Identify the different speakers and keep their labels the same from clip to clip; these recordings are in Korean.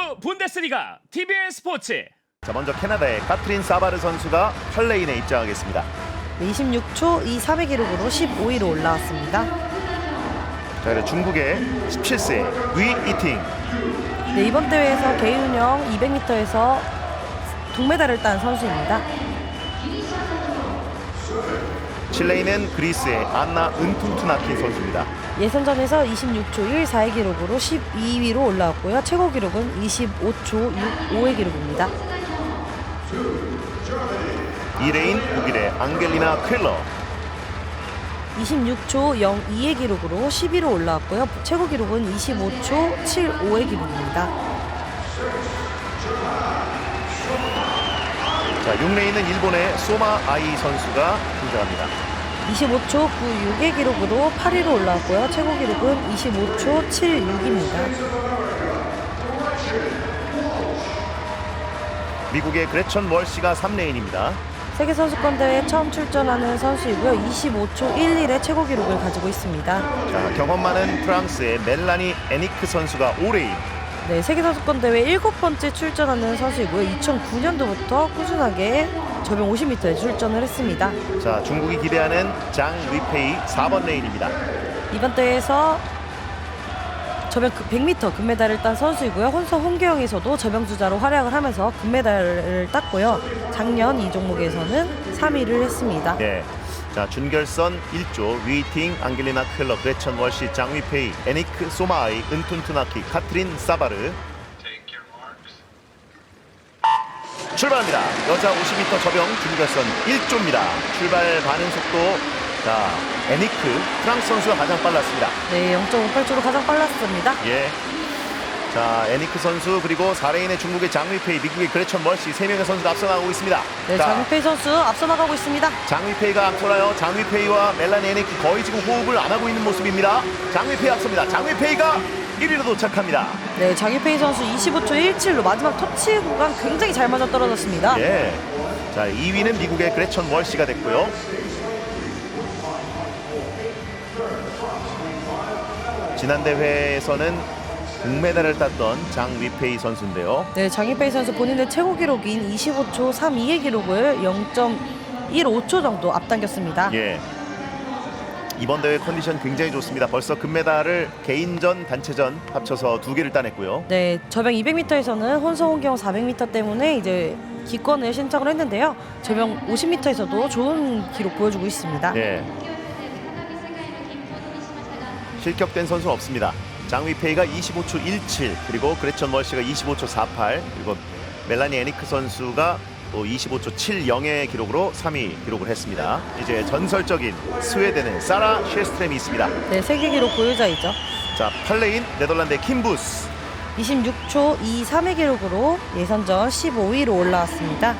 Speaker 1: 분데스리가 TBN 스포츠.
Speaker 2: 자, 먼저 캐나다의 카트린 사바르 선수가 8레인에 입장하겠습니다.
Speaker 3: 26초 23의 기록으로 15위로 올라왔습니다.
Speaker 2: 자, 그리고 중국의 17세 위 이팅.
Speaker 3: 네, 이번 대회에서 개인 운영 200m에서 동메달을 딴 선수입니다.
Speaker 2: 7레인은 그리스의 안나 은툰투나킨 선수입니다.
Speaker 3: 예선전에서 26초 14의 기록으로 12위로 올라왔고요. 최고 기록은 25초 65의 기록입니다.
Speaker 2: 2레인 독일의 앙겔리나 퀼러.
Speaker 3: 26초 02의 기록으로 10위로 올라왔고요. 최고 기록은 25초 75의 기록입니다.
Speaker 2: 자, 6레인은 일본의 소마 아이 선수가 등장합니다.
Speaker 3: 25초 96의 기록으로 8위로 올라왔고요. 최고 기록은 25초 76입니다.
Speaker 2: 미국의 그레천 월시가 3레인입니다.
Speaker 3: 세계선수권대회에 처음 출전하는 선수이고요. 25초 11의 최고 기록을 가지고 있습니다.
Speaker 2: 자, 경험 많은 프랑스의 멜라니 에니크 선수가 5레인.
Speaker 3: 네, 세계선수권대회 7번째 출전하는 선수이고요. 2009년도부터 꾸준하게 저병 50m에 출전을 했습니다.
Speaker 2: 자, 중국이 기대하는 장 위페이 4번 레인입니다.
Speaker 3: 이번 대회에서 저병 100m 금메달을 딴 선수이고요. 혼성 홍계영에서도 저병 주자로 활약을 하면서 금메달을 땄고요. 작년 이 종목에서는 3위를 했습니다.
Speaker 2: 네. 자, 준결선 1조 위팅 앙겔리나 퀼러 그레천 월시 장 위페이 에니크 소마아이 은툰투나키 카트린 사바르. 출발합니다. 여자 50m 저병 준결선 1조입니다. 출발 반응 속도, 자, 에니크 프랑스 선수가 가장 빨랐습니다.
Speaker 3: 네, 0.58초로 가장 빨랐습니다.
Speaker 2: 예. 자, 에니크 선수 그리고 4레인의 중국의 장위페이, 미국의 그레천 월시 3명의 선수가 앞서 나가고 있습니다.
Speaker 3: 네,
Speaker 2: 자,
Speaker 3: 장위페이 선수 앞서 나가고 있습니다.
Speaker 2: 장위페이가 앞서나요. 장위페이와 멜라니 에니크 거의 지금 호흡을 안 하고 있는 모습입니다. 장위페이 앞섭니다. 장위페이가 1위로 도착합니다.
Speaker 3: 네, 장위페이 선수 25초 17로 마지막 터치 구간 굉장히 잘 맞아 떨어졌습니다.
Speaker 2: 예. 자, 2위는 미국의 그레천 월시가 됐고요. 지난 대회에서는 동메달을 땄던 장위페이 선수인데요.
Speaker 3: 네, 장위페이 선수 본인의 최고 기록인 25초 32의 기록을 0.15초 정도 앞당겼습니다.
Speaker 2: 예. 이번 대회 컨디션 굉장히 좋습니다. 벌써 금메달을 개인전, 단체전 합쳐서 2개를 따냈고요.
Speaker 3: 네, 저병 200m에서는 혼성 홍경 400m 때문에 이제 기권을 신청을 했는데요. 저병 50m에서도 좋은 기록 보여주고 있습니다.
Speaker 2: 네. 실격된 선수는 없습니다. 장위페이가 25초 17, 그리고 그레천 월시가 25초 48, 그리고 멜라니 에니크 선수가 또 25초 70의 기록으로 3위 기록을 했습니다. 이제 전설적인 스웨덴의 사라 셰스트렘이 있습니다.
Speaker 3: 네, 세계 기록 보유자이죠.
Speaker 2: 자, 8레인 네덜란드의 킴부스.
Speaker 3: 26초 23의 기록으로 예선전 15위로 올라왔습니다.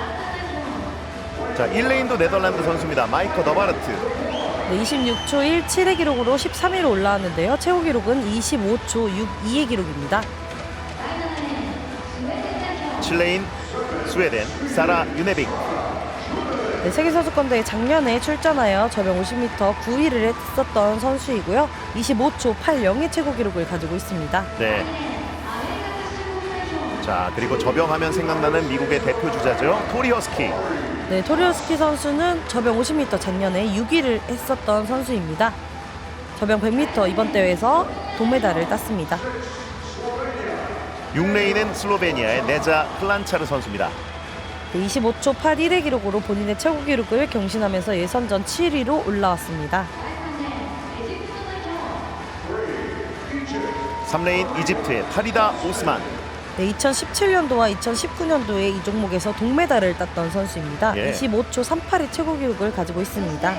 Speaker 2: 자, 1레인도 네덜란드 선수입니다. 마이커 더바르트.
Speaker 3: 네, 26초 17의 기록으로 13위로 올라왔는데요. 최고 기록은 25초 62의 기록입니다.
Speaker 2: 7레인 스웨덴 사라 유네빅.
Speaker 3: 네, 세계선수권대회 작년에 출전하여 저병 50m 9위를 했었던 선수이고요. 25초 80의 최고 기록을 가지고 있습니다.
Speaker 2: 네. 자, 그리고 저병하면 생각나는 미국의 대표 주자죠. 토리 허스키.
Speaker 3: 네, 토리오스키 선수는 저병 50m 작년에 6위를 했었던 선수입니다. 저병 100m 이번 대회에서 동메달을 땄습니다.
Speaker 2: 6레인은 슬로베니아의 네자 클란차르 선수입니다.
Speaker 3: 네, 25초 81의 기록으로 본인의 최고 기록을 경신하면서 예선전 7위로 올라왔습니다.
Speaker 2: 3레인 이집트의 파리다 오스만.
Speaker 3: 네, 2017년도와 2019년도에 이 종목에서 동메달을 땄던 선수입니다.
Speaker 2: 예.
Speaker 3: 25초 38의 최고 기록을 가지고 있습니다.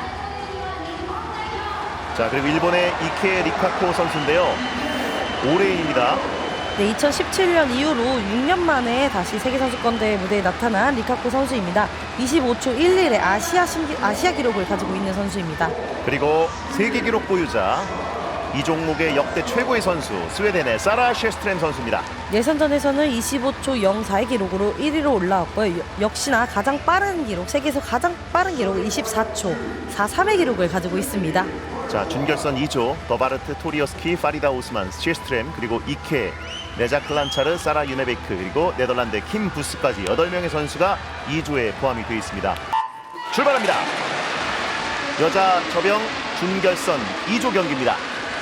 Speaker 2: 자, 그리고 일본의 이케 리카코 선수인데요. 5레인입니다.
Speaker 3: 네, 2017년 이후로 6년 만에 다시 세계선수권대회 무대에 나타난 리카코 선수입니다. 25초 11의 아시아 기록을 가지고 있는 선수입니다.
Speaker 2: 그리고 세계 기록 보유자, 이 종목의 역대 최고의 선수 스웨덴의 사라 셰스트렘 선수입니다.
Speaker 3: 예선전에서는 25초 04의 기록으로 1위로 올라왔고요. 역시나 가장 빠른 기록, 세계에서 가장 빠른 기록 24초 43의 기록을 가지고 있습니다.
Speaker 2: 자, 준결선 2조 더바르트, 토리어스키, 파리다 오스만, 실스트렘, 그리고 이케, 네자 클란차르, 사라 유네베크, 그리고 네덜란드 킴 부스까지 8명의 선수가 2조에 포함이 되어 있습니다. 출발합니다. 여자 저병 준결선 2조 경기입니다.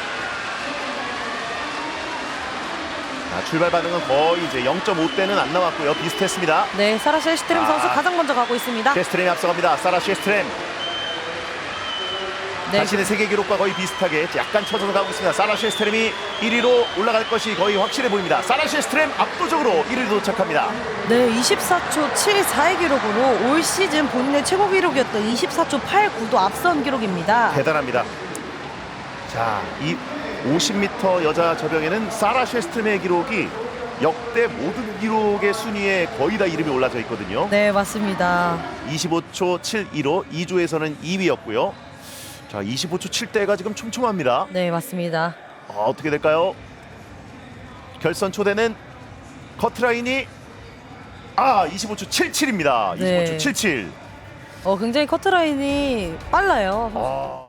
Speaker 2: 자, 출발 반응은 거의 이제 0.5대는 안 나왔고요. 비슷했습니다.
Speaker 3: 네, 사라 셰스트렘 선수 가장 먼저 가고 있습니다.
Speaker 2: 셰스트렘이 앞서갑니다. 사라 셰스트렘.
Speaker 3: 네,
Speaker 2: 자신의 세계 기록과 거의 비슷하게 약간 쳐져서 가고 있습니다. 사라 셰스트렘이 1위로 올라갈 것이 거의 확실해 보입니다. 사라 셰스트렘 압도적으로 1위로 도착합니다.
Speaker 3: 네, 24초 74의 기록으로 올 시즌 본인의 최고 기록이었던 24초 89도 앞선 기록입니다.
Speaker 2: 대단합니다. 자, 이 50m 여자 저병에는 사라 셰스트렘의 기록이 역대 모든 기록의 순위에 거의 다 이름이 올라져 있거든요.
Speaker 3: 네, 맞습니다.
Speaker 2: 25초 72로 2조에서는 2위였고요. 자, 25초 7대가 지금 촘촘합니다.
Speaker 3: 네, 맞습니다.
Speaker 2: 어떻게 될까요? 결선 초대는 커트라인이 25초 77입니다. 25초
Speaker 3: 네.
Speaker 2: 77.
Speaker 3: 굉장히 커트라인이 빨라요.